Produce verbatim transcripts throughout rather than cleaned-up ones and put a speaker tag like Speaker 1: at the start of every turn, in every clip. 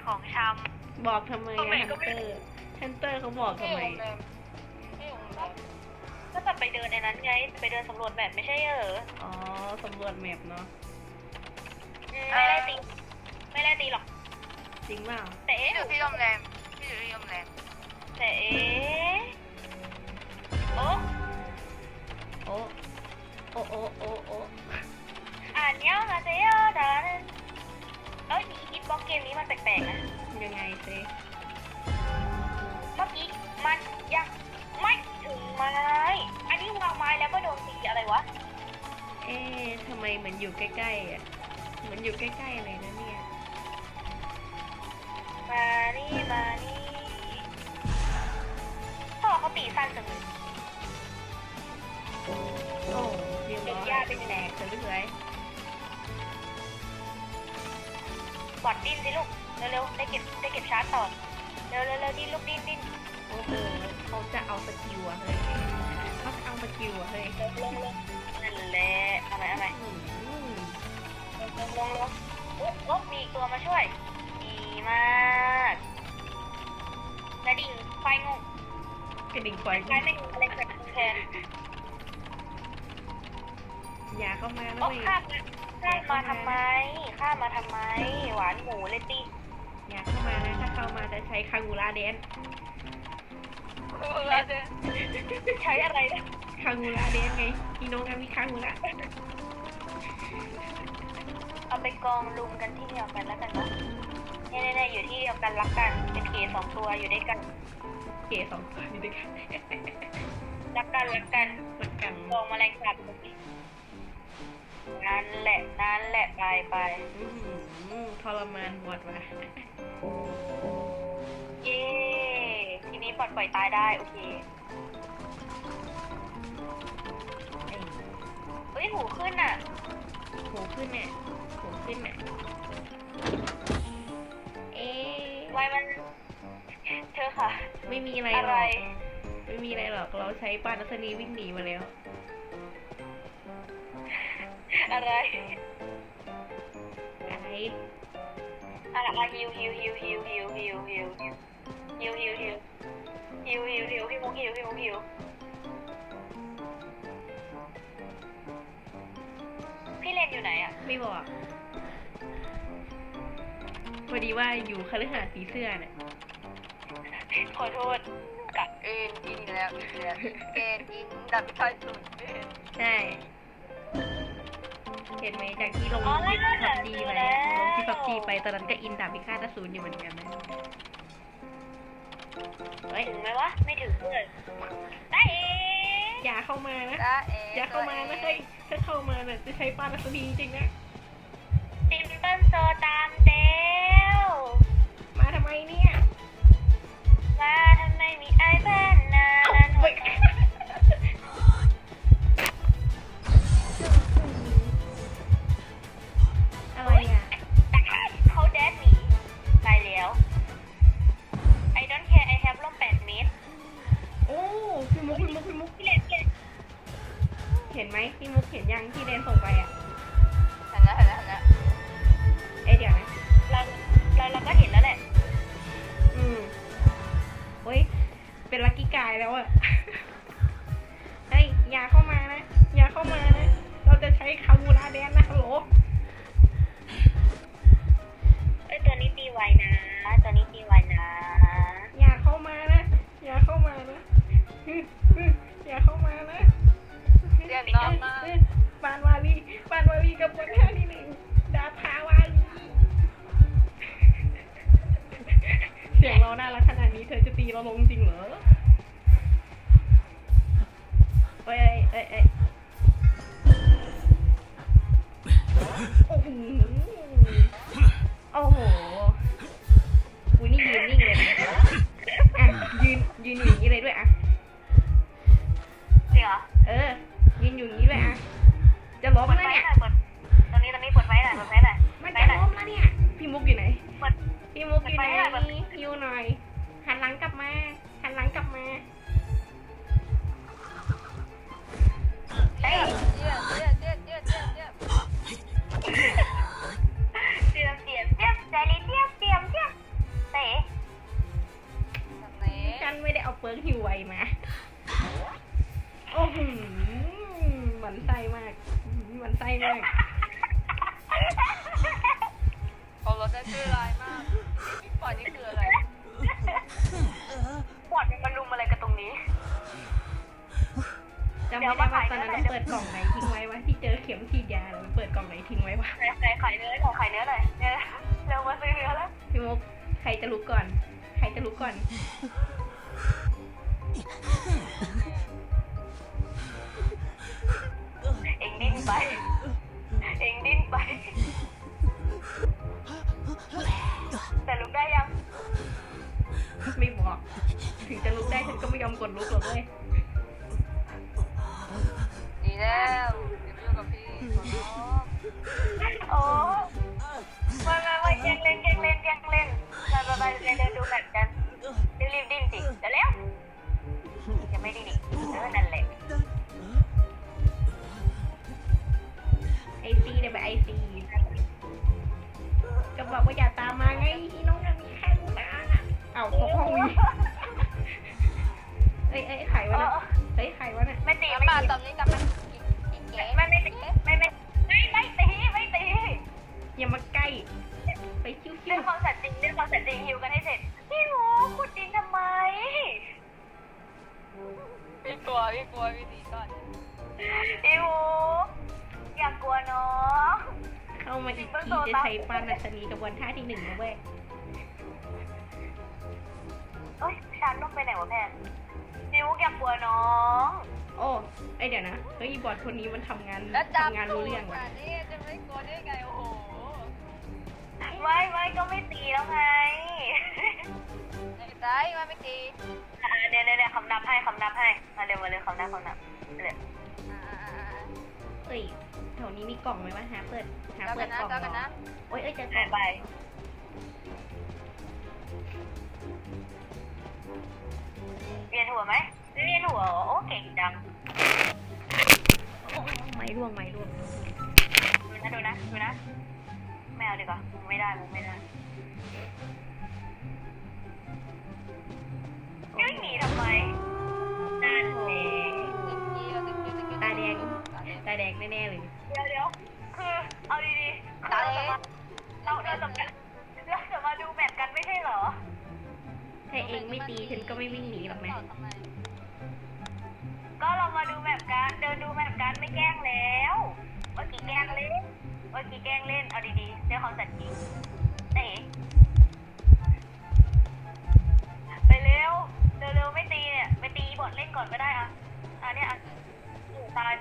Speaker 1: ของช
Speaker 2: บอกทำไม
Speaker 1: ทำไม
Speaker 2: อะ
Speaker 1: ก็
Speaker 2: ฮัน
Speaker 1: ไม่
Speaker 2: เตอร์ฮันเตอร์เขาบอก
Speaker 1: ำ
Speaker 2: ทำไม
Speaker 1: ก็จะไปเดินในนั้นไงไปเดินสำรวจแบบไม่ใช่เหรอ
Speaker 2: อ๋อสำรวจแมปเนาะ
Speaker 1: ไม่ได้ตีไม่ได้ตีหรอก
Speaker 2: จริงเปล่า
Speaker 1: แต่เอ๊ะ
Speaker 3: พี่อยู่ที่โรงแรมพี่อยู่ที่โรงแรม
Speaker 1: แต่เอ๊ะโอ้
Speaker 2: โอ้โอ้โอ้โอ้โอ้
Speaker 1: อ่านเนี้ยมาเซลดานเอ้ยฮิตบ็อกเกมนี้มันแปลกๆนะ
Speaker 2: ยังไงซิ
Speaker 1: เมื่อกี้มันยังไม่ถึงไม้อันนี้วางไม้แล้วก็โดนตีอะไรวะ
Speaker 2: เอ๊ะทำไมเหมือนอยู่ใกล้ๆอ่ะเหมือนอยู่ใกล้ๆเลยนะเนี่ย
Speaker 1: มานี่มานี่พ่อเขาตีสั้นจังเลย
Speaker 2: โอ้เรียบร้อย
Speaker 1: เดี๋ยวย่าเป็นแหลก
Speaker 2: สวย
Speaker 1: กดดิ้นสิลูกเร็วๆได้เก็บได้เก็บชาร์จต่อเร็วๆเร็วๆดิ้นลูกดิ้นดิ้น
Speaker 2: โอ้โหเขาจะเอาสกิลอะเฮ้ยเขาจะเอาสกิลอะเฮ้ย
Speaker 1: ลงลงลงนั่นแหละอะไรอะไร
Speaker 2: อืม
Speaker 1: ลงลงลงลงโอ๊ะโอ๊ะมีอีกตัวมาช่วยดีมากกระดิ่งไฟงง
Speaker 2: กระดิ่งไฟ
Speaker 1: ไฟไม่งอะไรเกิดขึ้นแทน
Speaker 2: อย่าเข้ามานะ
Speaker 1: โอ๊ะ
Speaker 2: เว้ย
Speaker 1: ข้ามมาข้ามมาทำไมข้ามมาทำไม หวานหมูเลยตี
Speaker 2: อย่าเข้ามานะถ้าเข้ามาจะใช้คางูราแดน
Speaker 1: ใช้อะไรนะ
Speaker 2: คางูราแดนไงพี่น้องกันมีคางูระ
Speaker 1: เอาไปกองลุมกันที่เดียวกันแล้วกันเนาะแน่ๆอยู่ที่เดียวกันรักกันเป็นเกย์สองตัวอยู่ด้วยกัน
Speaker 2: เก๋สองตัวอยู่ด้วยกัน
Speaker 1: รักกันรักกัน
Speaker 2: รักกัน
Speaker 1: กองแมลงสาบนั่นแหละนั่นแหละไปไป
Speaker 2: อื้อหือทรมานบวดว่ะ
Speaker 1: เย้ทีนี้ปลดปล่อยตายได้โอเค
Speaker 2: ไอ้
Speaker 1: เฮ้ยหูขึ้นอ่ะ
Speaker 2: โหขึ้นเนี่ยโหขึ้นเนี่ยเอ๊ะ
Speaker 1: ไว้มันเธอค่ะ
Speaker 2: ไม่มีอะไร
Speaker 1: อะ
Speaker 2: หร
Speaker 1: ไร
Speaker 2: อกไม่มีอะไรหรอกเราใช้ปานัสนีวิ่งหนีมาแล้ว
Speaker 1: อะไร
Speaker 2: อะไร
Speaker 1: อะไรฮิวฮิวฮิวฮิวฮิวฮิวฮิวฮิวฮิวฮิวฮิวฮิวฮิวฮิวฮิวฮิวฮิวฮิวพี่เลนอยู่ไหนอ่ะ
Speaker 2: ไม่บอกพอดีว่าอยู่คฤหาสน์ผีเสื้อเนี่ย
Speaker 1: ขอโทษ
Speaker 3: กับเอ็นอินแล้วอินแล้วเอ็นอินดับพิฆาตสุด
Speaker 2: ใช่เห็นไหมจากที่ลง
Speaker 1: อ๋อ
Speaker 2: คลิป
Speaker 1: แล้ว
Speaker 2: พับจีไป
Speaker 1: แล้ว
Speaker 2: ลงคลิปพับจีไปตอนนั้นก็อินดาบพิฆาตอสูรอยู่เหมือนกันนะเฮ้ย
Speaker 1: ถึงไหมวะ ไม่ถึงเลยได้เอง
Speaker 2: อย่าเข้ามานะ
Speaker 3: จ้าเอ
Speaker 2: อย่าเข้ามานะเฮ้ยถ้าเข้ามาเนี่ยจะใช้ปานัสนีจริงๆนะ
Speaker 1: ซิมเปิลโซตามเดว
Speaker 2: มาทำไมเนี่ย
Speaker 1: มาทำไมมีไอ้บ้านนานั้น
Speaker 2: เฮ้ยอะไรอ่ะ
Speaker 1: เขาแดดหนีตายแล้ว I don't care I have ร่มแปดเมตร
Speaker 2: โอ้พี่มุกพี่มุกพี่มุก
Speaker 1: พี่เลนพี่เลน
Speaker 2: เห็นไหมพี่มุกเห็นยังที่เดนส่งไปอ่ะ
Speaker 3: เห็นแล้วเห็นแล้วเห็นแล้ว
Speaker 2: เอ๊ะเดี๋ยวนะ
Speaker 1: เราเราเราก็เห็นแล้วแหละ
Speaker 2: อืมเฮ้ยเป็นลัคกี้
Speaker 3: เขารถได้ชื่อลายมากปล่อยนี่คืออะไร
Speaker 1: บอดมันมาลุมอะไรกันตรงนี้
Speaker 2: จำไม่ได้ว่าตอนนั้นเราเปิดกล่องไหนทิ้งไว้วะที่เจอเข็มฉีดยาเราเปิดกล่องไหนทิ้งไว้วะ
Speaker 1: ใส่ใส่ไข่เนื้อหน่อยไข่เนื้อหน่อยเนี่ยเร็วมาซื้อเนื้อแล้ว
Speaker 2: พี่มุกใครจะลุกก่อน ใครจะลุกก่อน
Speaker 1: เอ็งดิ้นไป เอ็งดิ้นไป แต่ลุกได้ยัง
Speaker 2: ไม่บอก ถึงจะลุกได้ฉันก็ไม่ยอมกดลุกหรอกเว้ย
Speaker 3: ดีแล้วเดี๋ยวไปอยู่กับพี่ขอร้อง
Speaker 1: โอ้ไม่ไม่ไม่แกล้งเล่นแกล้งเล่นแกล้งเล่นไปไปไปเดินดูแบบกันรีบๆดิ้นสิเดี๋ยวเร็วจะไม่ดิ้นอีกเออนั่นแหละ
Speaker 2: ไอซีเดี๋ยวไปไอซีก็บอกว่าอย่าตามมาไงที่น้องยังมีแค่ลูกนะเอ้าพกห้องวีเอ้ยเอ้ยไขวะน่ะเฮ้ยไขวะน่ะ
Speaker 1: ไม่ตี
Speaker 3: น้ำ
Speaker 1: ไม่
Speaker 3: ปลา
Speaker 1: ตี
Speaker 3: ตอนนี้กำลังกินกินเก๋
Speaker 1: ไม่ไม่ตีไม่ไม่ไม่ไม่ตีไม่ตี
Speaker 2: อย่ามาใกล้ไปคิ้ว
Speaker 1: เรื่องความสัตย์จริงเรื่องความสัตย์จริงฮิวกันให้เสร็จพี่หมูขุดดินทำไม
Speaker 3: พี่กลัวพี่กลัวพี่ดีก่อน
Speaker 1: พี่หมูอย่ากลัวน้อง
Speaker 2: ๆเข้ามาอีกทีจะใช้ปานัชนีกระบวนท่าที่หนึ่งนะเว้ย
Speaker 1: เอ้ยชานต้องไปไหนวะแพนพี่หมูอย่ากลัวน้อง
Speaker 2: โอ้ไอยเดี๋ยวนะเฮ้ยบอดคนนี้มันทำงาน
Speaker 3: แล้วจับ
Speaker 2: ทำงานรู้เรื่อง
Speaker 3: ว่ะ
Speaker 2: ว่ะ
Speaker 3: นี่จะไม่กลัวได้ไงโอ้โห
Speaker 1: ไม่ไม่ก็ไม่ตีแล้วไง
Speaker 3: ไม่ได้มาไม่ตี
Speaker 1: อ่าเนี่ยเนี่ยเนี่ยคำนับให้คำนับให้มาเร็วมาเร็วคำนับคำนับเร็ว
Speaker 3: อ่า
Speaker 2: เอ้ยแถวนี้มีกล่องไหมวะหาเปิดหา
Speaker 3: เจ้า
Speaker 2: เปิ
Speaker 3: กั
Speaker 2: ด
Speaker 3: นนะ
Speaker 2: กล่อง
Speaker 3: เจ้ากัน
Speaker 2: เหรอ
Speaker 3: นะ
Speaker 2: โอ้ยเอ้ยเจอกล่
Speaker 1: หา
Speaker 2: อย ง
Speaker 1: ไปเวียนหัวไหมไม่เวียนหัวเหรอโอ้เก่งจัง
Speaker 2: โอ้ไม้ร่วงไม้ร่วง
Speaker 1: ดูนะดูนะดูนะไม่เอาดีกว่าไม่ได้มุกไม่ได้วิ่งหนีทำไมนั่นเอง
Speaker 2: ตาแดงตาแดงแน่ๆเลย
Speaker 1: เดี๋ยวเดี๋ยวคือเอาดีๆคือเราจะมาเราเราจะมาเราจะมาดูแมตช์กันไม่ใช่เหรอ
Speaker 2: ถ้าเองไม่ตีฉันก็ไม่วิ่งหนีหรอกนะ
Speaker 1: ก็เรามาดูแมปกันเดินดูแมปกันไม่แกล้งแล้วเมื่อกี้แกล้งเล่นเมื่อกี้แกล้งเล่นเอาดีๆด้วยความสัตย์จริงเต๋ไปเร็วเร็วๆไม่ตีเนี่ยไปตีบอดเล่นก่อนก็ได้อะอ่ะเนี่ยอ่ะตายไป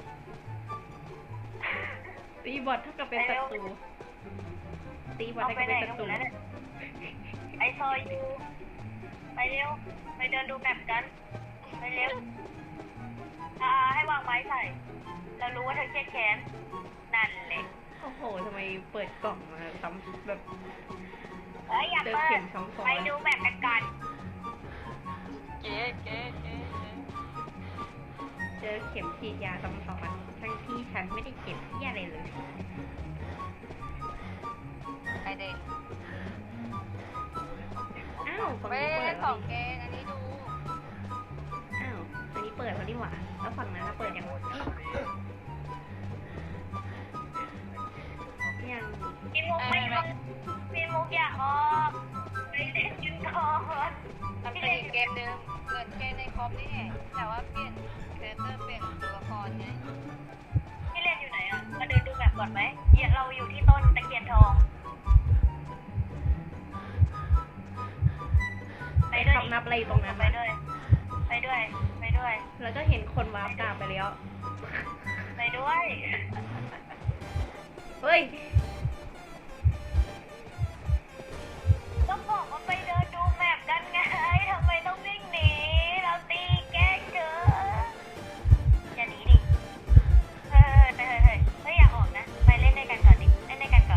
Speaker 2: ตีบอดเท่ากับเป็นศัตรูตีบอด
Speaker 1: เอา
Speaker 2: เท่า
Speaker 1: ไป
Speaker 2: กับ
Speaker 1: ไหน
Speaker 2: เป็นศัตรู
Speaker 1: กันหมดแล้วเนี่ยไอซอยยูไปเร็วไปเดินดูแมปกันไปเร็วอ่าให้วางไม้ใส่เรารู้ว่าเธอเครียดแค้นนั่นแหละ
Speaker 2: โอ้โหทำไมเปิดกล่องมาซ้ำแบบ
Speaker 1: เอ้ยอย่า
Speaker 2: เจอ
Speaker 1: เปิ
Speaker 2: เข็
Speaker 1: ด
Speaker 2: มสองสอง
Speaker 1: ไปดูแบบกันก่อน
Speaker 3: เก๋เก๋เก๋
Speaker 2: เจอเข็มฉีดยาซ้ำซ้อนทั้งที่ฉันไม่ได้เก็บที่อะไรเลย
Speaker 3: ไอเด็ก
Speaker 2: อ้าวฝั่ง
Speaker 3: ไม่
Speaker 2: นี้
Speaker 3: ได้
Speaker 2: เปิ
Speaker 3: เล่
Speaker 2: ด
Speaker 3: น
Speaker 2: แล้
Speaker 3: ข
Speaker 2: ว
Speaker 3: อง
Speaker 2: นี่
Speaker 3: เกนอันนี้ดู
Speaker 2: อ้าวอันนี้เปิดแล้วนี่หว่าแล้วฝั่งนั้นน่ะเปิดยังยัง
Speaker 1: พี่มุกไม่ออกพี่มุกอยากออกไปเล่นกันก่อน
Speaker 3: มันเป็นอีกเกมนึงเหมือนเกมในคอมนี่แต่ว่าเปลี่ยนคาแรคเตอร์เปลี่ยนตัวละครไง
Speaker 1: พี่เล่นอยู่ไหนอ่ะมาเดินดูแบบก่อนไหมเดี๋ยวเราอยู่ที่ต้นตะเคียนทองไปด้วย
Speaker 2: คำนับอะไรตรงนั้น
Speaker 1: ไปด้วย ไปด้วย ไปด้วย
Speaker 2: แล้วก็เห็นคนวาร์ปกลับไปแล้ว
Speaker 1: ไปด้วย
Speaker 2: เฮ้ย
Speaker 1: ก็บอกว่าไปเดินดูแมปกันไงทำไมต้องวิ่งหนีเราตีแกล้งเจออย่าหนีดิเฮ้ยเฮ้ยเฮ้ยเฮ้ยอย่าออกนะไปเล่นด้วยกันก่อนดิเล่นด้วยกันก่อน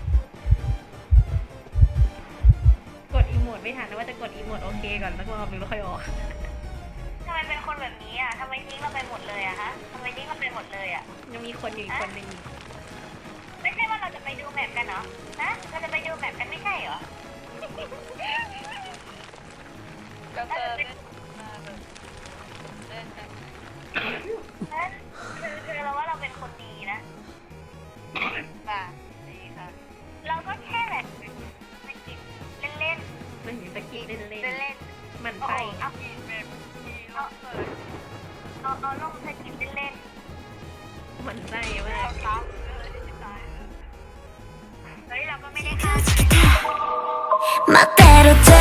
Speaker 2: กดอีโมดไม่ทันนะว่าจะกดอีโมดโอเคก่อนแล้วก็รอบนึงแล้วค่อยออก
Speaker 1: ทำไมเป็นคนแบบนี้อ่ะทำไมทิ้งเราไปหมดเลยอะฮะทำไมทิ้งเราไปหมดเลยอะ
Speaker 2: ยังมีคนอยู่อีกคนหนึ่งอีก
Speaker 1: ไม่ใช่ว่าเราจะไปดูแมปกันเหรอฮะเราจะไปดูแมปกันไม่ใช่เหรอ
Speaker 3: ก็เจอเล่นมาแบบเล่นกัน
Speaker 1: ฮะคือคือเราว่าเราเป็นคนดีนะ
Speaker 3: ป่ะ
Speaker 4: 멋대로 돼